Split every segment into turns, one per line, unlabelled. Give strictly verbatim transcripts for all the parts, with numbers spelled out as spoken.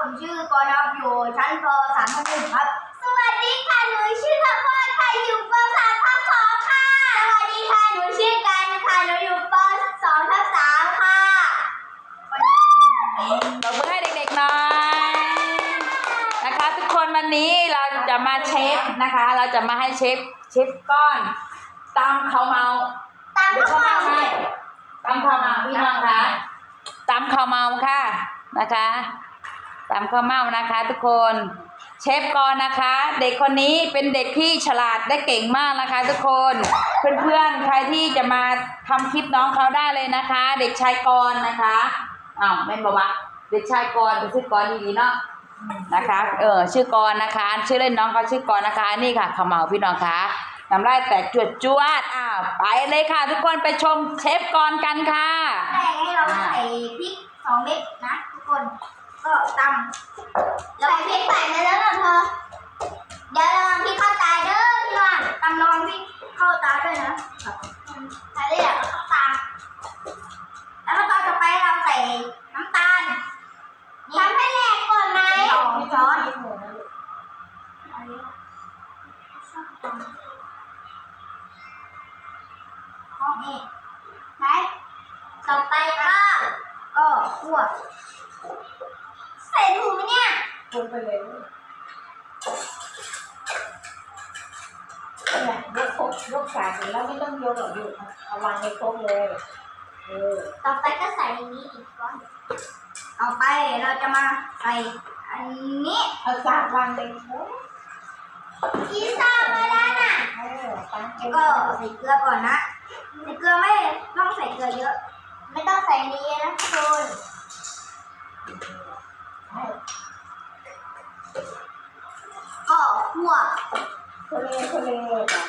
ผมชื่อกรณอยู่ชั้นป สามทับหนึ่งครับสวัสดีค่ะหนูชื่อข้าวโพดค่ะอยู่ป สามทับสองค่ะสวัสดีค่ะหนูชื่อกันค่ะหนูอยู่ป สองทับสามค่ะ
ตบมือให้เด็กๆหน่อยนะคะทุกคนวันนี้เราจะมาเช็คนะคะ เราจะมาให้เช็คเช็คก้อนตำข้าวเมา
ตามข้าวเมา
ตำข้าวเมาพี่น้องคะตำข้าวเมาค่ะนะคะตำข้าวเมานะคะ ทุกคนเชฟกรนะคะ เด็กคนนี้เป็นเด็กที่ฉลาดและเก่งมากนะคะ ทุกคนเพื่อนๆใครที่จะมาทำคลิปน้องเขาได้เลยนะคะ เด็กชายกรนะคะอ้าวแม่นบอกว่าเด็กชายกรเป็นชื่อกรดีๆเนาะนะคะเออชื่อกรนะคะชื่อเล่นน้องเขาชื่อกรนะคะนี่ค่ะข้าวเมาพี่น้องคะน้ำลายแตกจวดจวดอ้าวไปเลยค่ะ ทุกคนไปชมเชฟกรกันค่ะ
แรกให้เราใส่พริกสองเม็ดนะทุกคนก็ตำเราพริกใส่ไปแล้วนะเธอเดี๋ยวระวังพริกเข้าตาเด้อพี่น้องตำระวังพริกเข้าตาด้วยนะใส่ได้แล้วเข้าตาแล้วก็ตอนต่อไปเราใส่น้ำตาลทำให้แหลกก่อนไหมสองช้อนนี่ไหนต่อไปก็ก็คั่วใส่ถุงเนี่ย
คนไปเลยเนี่ยยกครกยกสากแล้วไม่ต้องยกหรอกอยู่เอาวางในครกเลยเออ
ต่อไปก็ใส่อันนี้อีกก้อนต่อไปเราจะมาใส่อันนี้
เอาสากวางในครก
อีซ่ามาแล้วน่ะ
เออตั้งใจ
ก็ใส่เกลือก่อนนะใส่เกลือไม่ต้องใส่เกลือเยอะไม่ต้องใส่นี้นะทุกคนก็คั่ว
ทะเลทะเลจ้ะ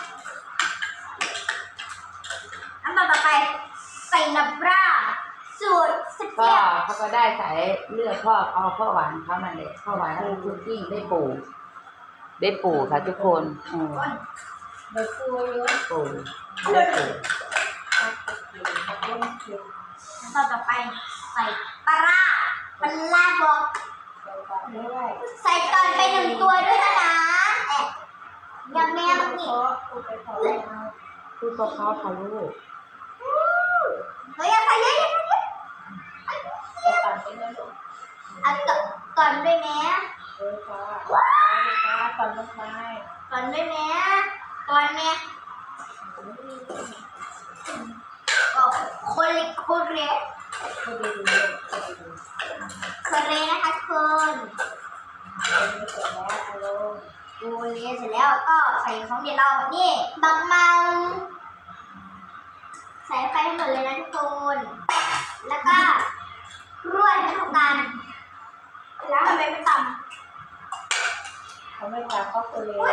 น้ำตาลต่อไปใส่น้ำปลาสูตรสเป
ก็
รี้ยว
เขาก็ได้ใส่เลือดพ่อเอาพ่อหวานเขานั่นแหละพ่อหวานแล้วคุกกิ้งได้ปูได้ปูค่ะทุกคนอืม
เดี๋ยวตัวเยอะ
ปูได้ปู
น้ำตาลต่อไปใส่ปลาร้าปลาร้าบอกใส่ก่อนไปหนึ่งตัวด้วยนะแอบยังแม่มันนี่
พูดเพราะๆค่ะลูก
เฮ้ยอย่าใส่เยอะอย่าใส่เยอะ
เอาตันไปนะลูก
เอาก่อนด้วยแม่
เออค่ะว้าวก่อนลงไป
ก่อนด้วยแม่ก่อนแม่ก็คนเล็กคนเล็ก
คนดีเลย
คนเล็กนะคะคน
เสร็จแล้วเอาลง
ดูเลี้ยเสร็จแล้วก็ใส่ของเดี๋ยวเรานี่บักเมาใส่ไปให้หมดเลยนะทุกคนแล้วก็รวนให้เข้ากันแล้วทำไมไม่ตำ
เขาไม่ทำก็คนเลย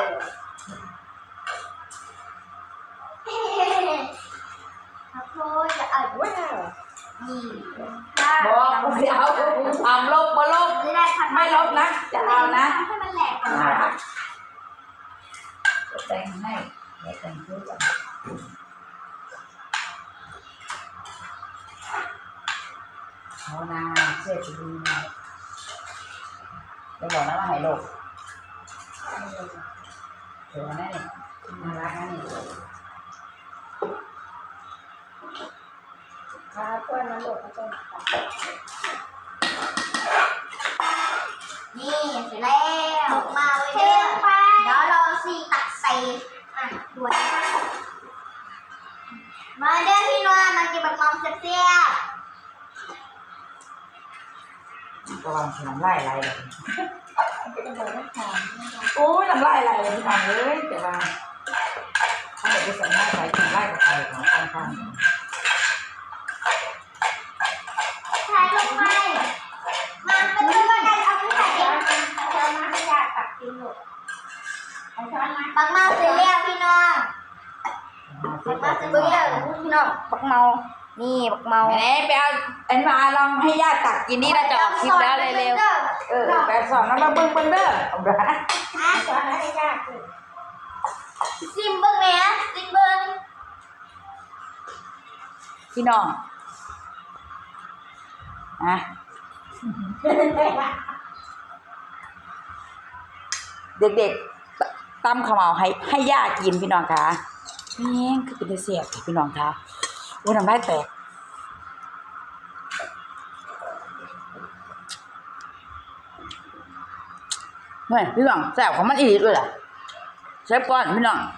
ขอโทษจะเอา
ว้าว
นี่
บอกเดี๋ยวทำลบมาลบ
ไม่ได้ทำ
ไม่ลบนะจะเอานะ
ให้มันแหลกก่อน
จะแต่งให้จะแต่งเพื่อเอานาเชื่อถือดีนะจะบอกนะว่าให้ลบเดี๋ยวนะนี่น่ารักนะนี่
ขาเพื่อนน้ำหลดก็ต้อง
นี่เสร็จแล้วมาไว้เด้อเดี๋ยวเราสีตักใส่อ่ะด้วยมาเด้อพี่น้องมากินบักมอมเสียบ
ระวังน้ำลายไหลเลย
เป็นแบบไม่หอม
โอ้ยน้ำลายไหลเลยฟังเลยแต่ว่าถ้าเกิดไปใส่หน้าใส่น้ำลายกับไข่ของข้างๆ
ใส่ลงไปมาเป็นเรื่องกันเอาที่ใส่เอง
ช้อนมาให้ยาตักกินหมดเอาช้อนมา
บักเมาเสร็จแล้วพี่น้องบักเมาเสร็จแล้วพี่น้องบักเมานี่บักเมา
ไหนไปเอาอันมาลองให้ญาติตักกินนี่เราจะออกคลิปแล้วเร็วๆเออไปสอนน้องมาเบิ้งเบิ้งเด้อเอาละ
ช้อนให้ยา
ซิมเบิ้งแม่ซิมเบิ้ง
พี่น้องอ่ะเด็กๆตำข้าวเหมาให้ให้ย่ากินพี่น้องคะแม่งคือเป็นเสียบพี่น้องคะโอ้ยน้ำลายแตกเฮ้ยพี่น้องแซ่บของมันอีกเลยล่ะเชฟก่อนพี่น้อง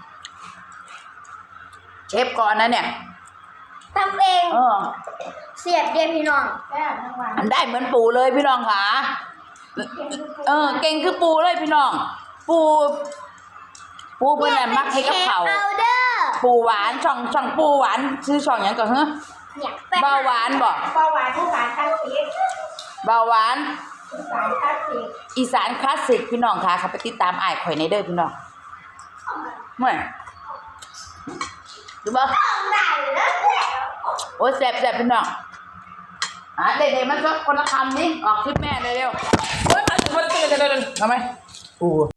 เชฟก่อนนะเนี่ย
ทำเอง
เออ
เสียบเดียวพี่น้อง
แซ่บทั้งวัน
อันได้เหมือนปูเลยพี่น้องค่ะเออ เก่งคือปูเลยพี่น้อง ปู ปูเพื่อนน่ะมักให้กับเขา
เอาเด้อ
ปูหวานช่องช่องปูหวานชื่อช่องหยังก่อนเหรอ
เนี่ย
เบาหวานบอก
เบาหวานผู้สารคลาสสิก
เบาหวาน
ผู้สารคลาสสิก
อีสานคลาสสิกพี่น้องค่ะเขาไปติดตามอ้ายข่อยในเด้อพี่น้องเมื่อยดูบ่
ต้องได้แล้วแหละ
โอ้ยแซ่บแซ่บพี่น้องอ่ะเด็กๆมันก็คนละคำนี่ออกคลิปแม่เร็วๆเฮ้ยมาถึงมาถึงเร็วๆทำไมปู